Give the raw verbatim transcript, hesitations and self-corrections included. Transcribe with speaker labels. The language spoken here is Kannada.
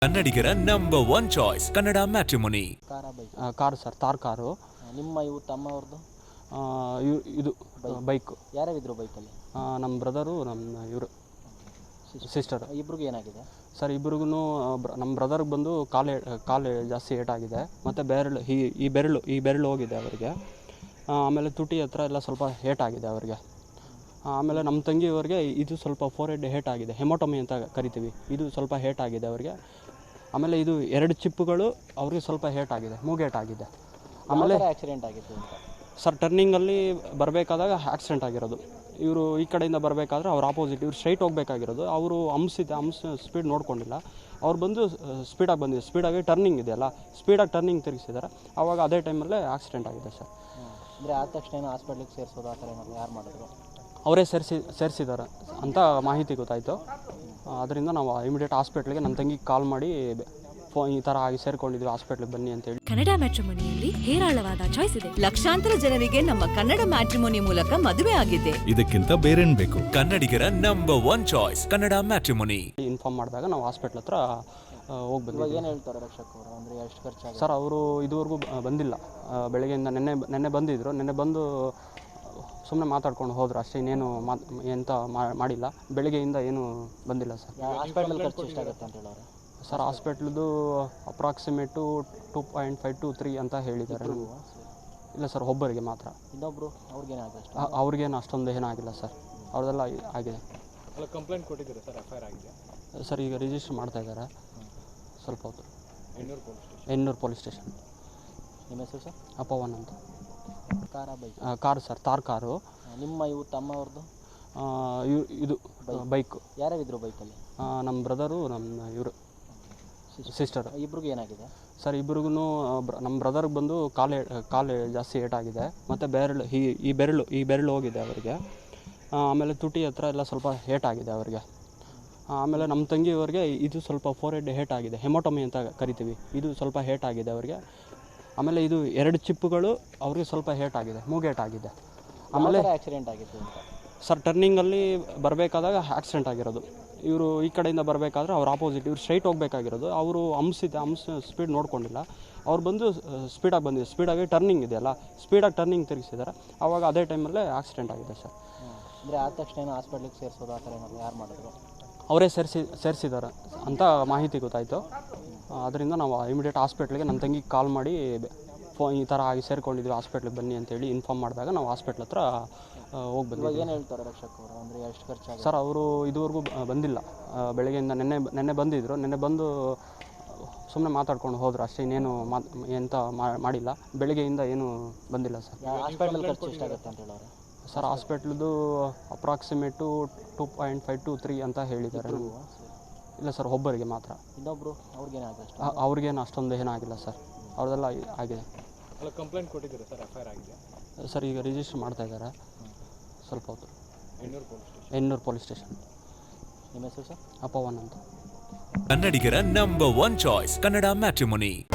Speaker 1: ಕನ್ನಡಿಗರ number one choice Kannada matrimony.
Speaker 2: Car bike
Speaker 3: car sir, Thar car.
Speaker 2: ನಿಮ್ಮ ಇವು ತಮ್ಮವ್ರದ್ದು
Speaker 3: ಇದು ಬೈಕು.
Speaker 2: ಯಾರ್ಯಾರಿದ್ರು ಬೈಕಲ್ಲಿ?
Speaker 3: ನಮ್ಮ ಬ್ರದರು, ನಮ್ಮ ಇವರು ಸಿಸ್ಟರ್.
Speaker 2: ಇಬ್ರಿಗೂ ಏನಾಗಿದೆ
Speaker 3: ಸರ್? ಇಬ್ರಿಗೂ ನಮ್ಮ ಬ್ರದರ್ಗೆ ಬಂದು ಕಾಲು ಕಾಲು ಜಾಸ್ತಿ ಏಟಾಗಿದೆ, ಮತ್ತು ಬೆರಳು ಈ ಈ ಬೆರಳು ಈ ಬೆರಳು ಹೋಗಿದೆ ಅವರಿಗೆ. ಆಮೇಲೆ ತುಟಿ ಹತ್ರ ಎಲ್ಲ ಸ್ವಲ್ಪ ಏಟಾಗಿದೆ ಅವರಿಗೆ. ಆಮೇಲೆ ನಮ್ಮ ತಂಗಿಯವರಿಗೆ ಇದು ಸ್ವಲ್ಪ ಫೋರ್ ಹೆಡ್ ಹೇಟಾಗಿದೆ, ಹೆಮೋಟಮಿ ಅಂತ ಕರಿತೀವಿ. ಇದು ಸ್ವಲ್ಪ ಹೇಟಾಗಿದೆ ಅವರಿಗೆ. ಆಮೇಲೆ ಇದು ಎರಡು ಚಿಪ್ಪುಗಳು ಅವ್ರಿಗೆ ಸ್ವಲ್ಪ ಹೇಟಾಗಿದೆ, ಮೂಗೇಟಾಗಿದೆ. ಆಮೇಲೆ
Speaker 2: ಆಕ್ಸಿಡೆಂಟ್ ಆಗಿತ್ತು ಅಂತ
Speaker 3: ಸರ್, ಟರ್ನಿಂಗಲ್ಲಿ ಬರಬೇಕಾದಾಗ ಆಕ್ಸಿಡೆಂಟ್ ಆಗಿರೋದು. ಇವರು ಈ ಕಡೆಯಿಂದ ಬರಬೇಕಾದ್ರೆ ಅವ್ರು ಆಪೋಸಿಟ್, ಇವ್ರು ಸ್ಟ್ರೈಟ್ ಹೋಗಬೇಕಾಗಿರೋದು. ಅವರು ಹಂಸಿದೆ, ಹಂಸ ಸ್ಪೀಡ್ ನೋಡ್ಕೊಂಡಿಲ್ಲ. ಅವ್ರು ಬಂದು ಸ್ಪೀಡಾಗಿ ಬಂದಿದೆ, ಸ್ಪೀಡಾಗಿ ಟರ್ನಿಂಗ್ ಇದೆಯಲ್ಲ, ಸ್ಪೀಡಾಗಿ ಟರ್ನಿಂಗ್ ತಿರುಗಿಸಿದ್ದಾರೆ. ಆವಾಗ ಅದೇ ಟೈಮಲ್ಲೇ ಆಕ್ಸಿಡೆಂಟ್ ಆಗಿದೆ ಸರ್.
Speaker 2: ಅಂದರೆ ಆದ ತಕ್ಷಣ ಏನೋ ಹಾಸ್ಪಿಟ್ಲಿಗೆ ಸೇರಿಸೋದು ಆ ಥರ ಏನಾದ್ರು ಯಾರು ಮಾಡಿದ್ರು?
Speaker 3: ಅವರೇ ಸೇರಿಸಿ ಸೇರಿಸಿದ್ದಾರೆ ಅಂತ ಮಾಹಿತಿ ಗೊತ್ತಾಯಿತು. ಅದರಿಂದ ನಾವು ಇಮಿಡಿಯೇಟ್ ಹಾಸ್ಪಿಟ್ಲಿಗೆ ನನ್ನ ತಂಗಿಗೆ ಕಾಲ್ ಮಾಡಿ ಫೋನ್ ಈ ಥರ ಆಗಿ ಸೇರ್ಕೊಂಡಿದ್ವಿ, ಹಾಸ್ಪಿಟ್ಲಿಗೆ ಬನ್ನಿ ಅಂತೇಳಿ.
Speaker 4: ಕನ್ನಡ ಮ್ಯಾಟ್ರಿಮೋನಿಯಲ್ಲಿ ಹೇರಾಳವಾದ ಚಾಯ್ಸ್ ಇದೆ.
Speaker 5: ಲಕ್ಷಾಂತರ ಜನರಿಗೆ ನಮ್ಮ ಕನ್ನಡ ಮ್ಯಾಟ್ರಿಮೋನಿ ಮೂಲಕ ಮದುವೆ ಆಗಿದೆ.
Speaker 1: ಇದಕ್ಕಿಂತ ಬೇರೇನ್ ಬೇಕು? ಕನ್ನಡಿಗರ number one choice Kannada matrimony.
Speaker 3: Inform ಮಾಡಿದಾಗ ನಾವು ಹಾಸ್ಪಿಟ್ಲ್ ಹತ್ರ ಹೋಗಿ ಬಂದ್ವಿ.
Speaker 2: ಏನು ಹೇಳ್ತಾರೆ ರಕ್ಷಕ್ ಅವರು? ಅಂದರೆ ಎಷ್ಟು ಖರ್ಚಾಗಿದೆ
Speaker 3: ಸರ್? ಅವರು ಇದುವರೆಗೂ ಬಂದಿಲ್ಲ. ಬೆಳಗ್ಗೆಯಿಂದ ನೆನ್ನೆ ನೆನ್ನೆ ಬಂದಿದ್ದರು. ನೆನ್ನೆ ಬಂದು ಸುಮ್ಮನೆ ಮಾತಾಡ್ಕೊಂಡು ಹೋದ್ರು ಅಷ್ಟೇ, ಇನ್ನೇನು ಮಾತು ಎಂತ ಮಾಡಿಲ್ಲ. ಬೆಳಗ್ಗೆಯಿಂದ ಏನೂ ಬಂದಿಲ್ಲ ಸರ್.
Speaker 2: ಹಾಸ್ಪಿಟಲ್ ಖರ್ಚು ಎಷ್ಟಾಗುತ್ತೆ ಅಂತ ಹೇಳೋರು?
Speaker 3: ಸರ್, ಹಾಸ್ಪಿಟ್ಲದು approximate two point five to three ಅಂತ ಹೇಳಿದ್ದಾರೆ. ಇಲ್ಲ ಸರ್, ಒಬ್ಬರಿಗೆ ಮಾತ್ರ.
Speaker 2: ಇನ್ನೊಬ್ರು ಅವ್ರಿಗೇನಾಗಿದೆ?
Speaker 3: ಅವ್ರಿಗೇನು ಅಷ್ಟೊಂದು ಏನಾಗಿಲ್ಲ ಸರ್, ಅವ್ರದ್ದೆಲ್ಲ ಆಗಿದೆ.
Speaker 6: ಕಂಪ್ಲೇಂಟ್ ಕೊಟ್ಟಿದ್ದಾರೆ ಸರ್? ಎಫ್ ಐ ಆರ್ ಆಗಿದೆ
Speaker 3: ಸರ್, ಈಗ ರಿಜಿಸ್ಟರ್ ಮಾಡ್ತಾ ಇದ್ದಾರೆ ಸ್ವಲ್ಪ ಹೊತ್ತು.
Speaker 6: Ennur police station.
Speaker 3: Ennur police station.
Speaker 2: ನಿಮ್ಮ ಹೆಸರು ಸರ್?
Speaker 3: ಅಪವನ್ ಅಂತ.
Speaker 2: Car bike
Speaker 3: car sir, Thar car.
Speaker 2: ನಿಮ್ಮ ಇವು ತಮ್ಮವ್ರದ್ದು
Speaker 3: ಇದು ಬೈಕು.
Speaker 2: ಯಾರ್ಯಾರಿದ್ರು ಬೈಕಲ್ಲಿ?
Speaker 3: ನಮ್ಮ ಬ್ರದರು, ನಮ್ಮ ಇವರು ಸಿಸ್ಟರ್.
Speaker 2: ಇಬ್ರಿಗೂ ಏನಾಗಿದೆ
Speaker 3: ಸರ್? ಇಬ್ರಿಗೂ ನಮ್ಮ ಬ್ರದರ್ಗೆ ಬಂದು ಕಾಲು ಕಾಲು ಜಾಸ್ತಿ ಏಟಾಗಿದೆ, ಮತ್ತು ಬೆರಳು ಈ ಈ ಬೆರಳು ಈ ಬೆರಳು ಹೋಗಿದೆ ಅವರಿಗೆ. ಆಮೇಲೆ ತುಟಿ ಹತ್ರ ಎಲ್ಲ ಸ್ವಲ್ಪ ಏಟಾಗಿದೆ ಅವರಿಗೆ. ಆಮೇಲೆ ನಮ್ಮ ತಂಗಿಯವರಿಗೆ ಇದು ಸ್ವಲ್ಪ ಫೋರ್ ಹೆಡ್ ಹೇಟಾಗಿದೆ, ಹೆಮೋಟಮಿ ಅಂತ ಕರಿತೀವಿ. ಇದು ಸ್ವಲ್ಪ ಹೇಟಾಗಿದೆ ಅವರಿಗೆ. ಆಮೇಲೆ ಇದು ಎರಡು ಚಿಪ್ಪುಗಳು ಅವ್ರಿಗೆ ಸ್ವಲ್ಪ ಹೇಟಾಗಿದೆ, ಮೂಗೇಟಾಗಿದೆ. ಆಮೇಲೆ
Speaker 2: ಆಕ್ಸಿಡೆಂಟ್ ಆಗಿತ್ತು ಅಂತ
Speaker 3: ಸರ್? ಟರ್ನಿಂಗಲ್ಲಿ ಬರಬೇಕಾದಾಗ ಆಕ್ಸಿಡೆಂಟ್ ಆಗಿರೋದು. ಇವರು ಈ ಕಡೆಯಿಂದ ಬರಬೇಕಾದ್ರೆ ಅವ್ರು ಆಪೋಸಿಟ್, ಇವ್ರು ಸ್ಟ್ರೈಟ್ ಹೋಗಬೇಕಾಗಿರೋದು. ಅವರು ಹಂಸಿದೆ, ಹಂಸ ಸ್ಪೀಡ್ ನೋಡ್ಕೊಂಡಿಲ್ಲ. ಅವ್ರು ಬಂದು ಸ್ಪೀಡಾಗಿ ಬಂದಿದೆ, ಸ್ಪೀಡಾಗಿ ಟರ್ನಿಂಗ್ ಇದೆಯಲ್ಲ, ಸ್ಪೀಡಾಗಿ ಟರ್ನಿಂಗ್ ತಿರುಗಿಸಿದ್ದಾರೆ. ಆವಾಗ ಅದೇ ಟೈಮಲ್ಲೇ ಆಕ್ಸಿಡೆಂಟ್ ಆಗಿದೆ ಸರ್.
Speaker 2: ಅಂದರೆ ಆದ ತಕ್ಷಣ ಏನೋ ಹಾಸ್ಪಿಟ್ಲಿಗೆ ಸೇರಿಸೋದು ಆ ಥರ ಏನಾದ್ರು ಯಾರು ಮಾಡಿದ್ರು?
Speaker 3: ಅವರೇ ಸೇರಿಸಿ ಸೇರಿಸಿದ್ದಾರೆ ಅಂತ ಮಾಹಿತಿ ಗೊತ್ತಾಯಿತು. ಅದರಿಂದ ನಾವು ಇಮಿಡಿಯೇಟ್ ಹಾಸ್ಪಿಟ್ಲಿಗೆ ನನ್ನ ತಂಗಿಗೆ ಕಾಲ್ ಮಾಡಿ ಫೋನ್ ಈ ಥರ ಆಗಿ ಸೇರ್ಕೊಂಡಿದ್ವಿ, ಹಾಸ್ಪಿಟ್ಲಿಗೆ ಬನ್ನಿ ಅಂತೇಳಿ ಇನ್ಫಾರ್ಮ್ ಮಾಡಿದಾಗ ನಾವು ಹಾಸ್ಪಿಟ್ಲ್ ಹತ್ರ ಹೋಗಿ ಬಂದ್ವಿ.
Speaker 2: ಏನು ಹೇಳ್ತಾರೆ ರಕ್ಷಕ್ ಅವರು? ಅಂದರೆ ಎಷ್ಟು ಖರ್ಚಾಗಿದೆ
Speaker 3: ಸರ್? ಅವರು ಇದುವರೆಗೂ ಬಂದಿಲ್ಲ. ಬೆಳಗ್ಗೆಯಿಂದ ನೆನ್ನೆ ನೆನ್ನೆ ಬಂದಿದ್ದರು. ನೆನ್ನೆ ಬಂದು ಸುಮ್ಮನೆ ಮಾತಾಡ್ಕೊಂಡು ಹೋದ್ರು ಅಷ್ಟೇ, ಇನ್ನೇನು ಮಾತು ಎಂತ ಮಾಡಿಲ್ಲ. ಬೆಳಗ್ಗೆಯಿಂದ ಏನೂ ಬಂದಿಲ್ಲ ಸರ್.
Speaker 2: ಹಾಸ್ಪಿಟಲ್ ಖರ್ಚು ಎಷ್ಟಾಗುತ್ತೆ ಅಂತ ಹೇಳೋರು?
Speaker 3: ಸರ್, ಹಾಸ್ಪಿಟ್ಲದು approximate two point five to three ಅಂತ ಹೇಳಿದ್ದಾರೆ. ಇಲ್ಲ ಸರ್, ಒಬ್ಬರಿಗೆ ಮಾತ್ರ.
Speaker 2: ಇನ್ನೊಬ್ರು ಅವ್ರಿಗೇನಾಗಿದೆ?
Speaker 3: ಅವ್ರಿಗೇನು ಅಷ್ಟೊಂದು ಏನಾಗಿಲ್ಲ ಸರ್, ಅವ್ರದ್ದೆಲ್ಲ ಆಗಿದೆ.
Speaker 6: ಕಂಪ್ಲೇಂಟ್ ಕೊಟ್ಟಿದ್ದಾರೆ ಸರ್? ಎಫ್ ಐ ಆರ್ ಆಗಿದೆ
Speaker 3: ಸರ್, ಈಗ ರಿಜಿಸ್ಟರ್ ಮಾಡ್ತಾ ಇದ್ದಾರೆ ಸ್ವಲ್ಪ ಹೊತ್ತು.
Speaker 6: Ennur police station.
Speaker 3: Ennur police station.
Speaker 2: ನಿಮ್ಮ ಹೆಸರು ಸರ್?
Speaker 3: ಅಪವನ್ ಅಂತ.
Speaker 1: ಕನ್ನಡಿಗರ number one choice Kannada matrimony.